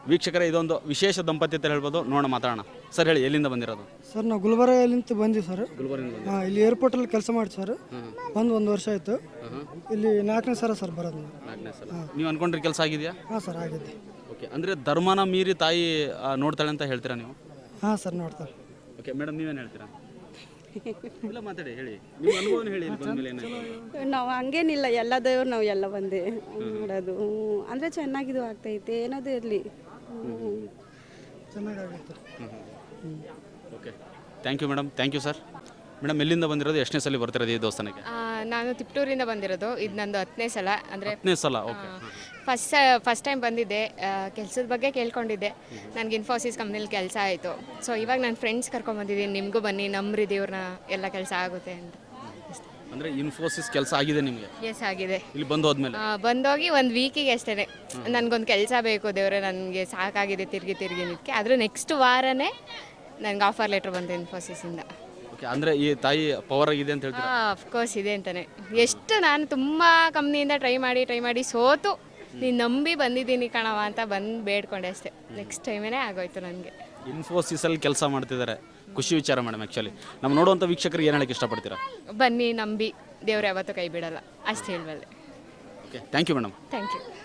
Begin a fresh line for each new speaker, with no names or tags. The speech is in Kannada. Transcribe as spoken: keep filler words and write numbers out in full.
ವೀಕ್ಷಕರೇ, ಇದೊಂದು ವಿಶೇಷ ದಂಪತಿ ಅಂತ ಹೇಳ್ಬೋದು. ನೋಡೋಣ, ಮಾತಾಡೋಣ. ಸರ್ ಹೇಳಿ, ಎಲ್ಲಿಂದ ಬಂದಿರೋದು?
ಸರ್ ನಾವು ಗುಲ್ಬರ್ಗಲಿಂತ ಬಂದ್ವಿ ಸರ್.
ಗುಲ್ಬರ್ಗಿಂದ.
ಹಾಂ, ಇಲ್ಲಿ ಏರ್ಪೋರ್ಟಲ್ಲಿ ಕೆಲಸ ಮಾಡಿ ಸರ್. ಬಂದು ಒಂದು ವರ್ಷ ಆಯಿತು. ಇಲ್ಲಿ ನಾಲ್ಕನೇ ಸಲ ಸರ್ ಬರೋದು.
ನಾಲ್ಕನೇ ಸಲ. ನೀವು ಅನ್ಕೊಂಡ್ರೆ ಕೆಲಸ ಆಗಿದೆಯಾ?
ಹಾಂ ಸರ್, ಆಗಿದೆ.
ಓಕೆ, ಅಂದರೆ ಧರ್ಮನ ಮೀರಿ ತಾಯಿ ಆ, ನೋಡ್ತಾಳೆ ಅಂತ ಹೇಳ್ತೀರಾ ನೀವು?
ಹಾಂ ಸರ್, ನೋಡ್ತಾರೆ.
ಓಕೆ ಮೇಡಮ್, ನೀವೇನು ಹೇಳ್ತೀರಾ? ಇಲ್ಲ, ಮಾತಾಡಿ, ಹೇಳಿ ನಿಮ್ಮ ಅನುಭವನ ಹೇಳಿ. ಇಲ್ಲಿ ಬಂದ್ಮೇಲೆ ಏನಾಯ್ತು?
ನಾವು ಹಂಗೇನಿಲ್ಲ, ಎಲ್ಲ ದೇವ್ರು ನಾವು ಎಲ್ಲ ಒಂದೇ ಮಾಡೋದು. ಅಂದರೆ ಚೆನ್ನಾಗಿದು ಆಗ್ತೈತೆ, ಏನಾದರೂ ಇರಲಿ.
ಚೆನ್ನಾಗಾಗುತ್ತೆ.
Okay, thank you madam. Thank you sir. Madam, ಎಲ್ಲಿಂದ ಬಂದಿರೋದು? ಎಷ್ಟನೇ ಸಲ ಬರ್ತಿರೋದು ಈ ದೇವಸ್ಥಾನಕ್ಕೆ?
ನಾನು ತಿಪ್ಟೂರಿಂದ ಬಂದಿರೋದು. ಇದು ನಂದು ಹತ್ತನೇ ಸಲ. ಅಂದರೆ
ಹತ್ತನೇ ಸಲ. ಓಕೆ.
ಫಸ್ಟ್ ಫಸ್ಟ್ ಟೈಮ್ ಬಂದಿದ್ದೆ. ಕೆಲಸದ ಬಗ್ಗೆ ಕೇಳ್ಕೊಂಡಿದ್ದೆ. ನನಗೆ ಇನ್ಫೋಸಿಸ್ ಕಂಪ್ನಿಲಿ ಕೆಲಸ ಆಯಿತು. ಸೊ ಇವಾಗ ನನ್ನ ಫ್ರೆಂಡ್ಸ್ ಕರ್ಕೊಂಡ್ಬಂದಿದ್ದೀನಿ, ನಿಮಗೂ ಬನ್ನಿ, ನಂಬ್ರಿ ದೇವ್ರನ್ನ, ಎಲ್ಲ ಕೆಲಸ ಆಗುತ್ತೆ ಅಂತ.
ಅಂದರೆ ಇನ್ಫೋಸಿಸ್ ಕೆಲಸ ಆಗಿದೆ ನಿಮಗೆ?
ಎಸ್, ಆಗಿದೆ.
ಇಲ್ಲಿ ಬಂದು ಹೋದ್ಮೇಲೆ?
ಬಂದೋಗಿ ಒಂದು ವೀಕಿಗೆ ಅಷ್ಟೇ. ನನಗೊಂದು ಕೆಲಸ ಬೇಕು ದೇವ್ರೆ, ನನಗೆ ಸಾಕಾಗಿದೆ ತಿರುಗಿ ತಿರುಗಿ ನಿದಕ್ಕೆ. ಆದರೂ ನೆಕ್ಸ್ಟ್ ವಾರನೇ ನನಗೆ ಆಫರ್ ಲೆಟ್ರ್ ಬಂತು ಇನ್ಫೋಸಿಸಿಂದ.
ಓಕೆ, ಅಂದರೆ ಈ ತಾಯಿ ಪವರ್ ಆಗಿದೆ ಅಂತ ಹೇಳ್ತೀರಾ?
ಹಾಂ, ಅಫ್ಕೋರ್ಸ್ ಇದೆ ಅಂತಲೇ. ಎಷ್ಟು ನಾನು ತುಂಬ ಕಂಪ್ನಿಯಿಂದ ಟ್ರೈ ಮಾಡಿ ಟ್ರೈ ಮಾಡಿ ಸೋತು ನೀನು ನಂಬಿ ಬಂದಿದ್ದೀನಿ ಕಣವ ಅಂತ ಬಂದು ಬೇಡ್ಕೊಂಡೆ ಅಷ್ಟೇ. ನೆಕ್ಸ್ಟ್ ಟೈಮೇ ಆಗೋಯ್ತು ನನಗೆ.
ಇನ್ಫೋಸಿಸಲ್ಲಿ ಕೆಲಸ ಮಾಡ್ತಿದ್ದಾರೆ, ಖುಷಿ ವಿಚಾರ ಮೇಡಮ್. ಆ್ಯಕ್ಚುಲಿ ನಮ್ಮ ನೋಡುವಂಥ ವೀಕ್ಷಕರಿಗೆ ಏನು ಹೇಳಕ್ಕೆ ಇಷ್ಟಪಡ್ತೀರಾ?
ಬನ್ನಿ, ನಂಬಿ, ದೇವ್ರು ಯಾವತ್ತೂ ಕೈ ಬಿಡಲ್ಲ, ಅಷ್ಟು ಹೇಳಬಲ್ಲೆ.
Okay, thank you madam.
Thank you.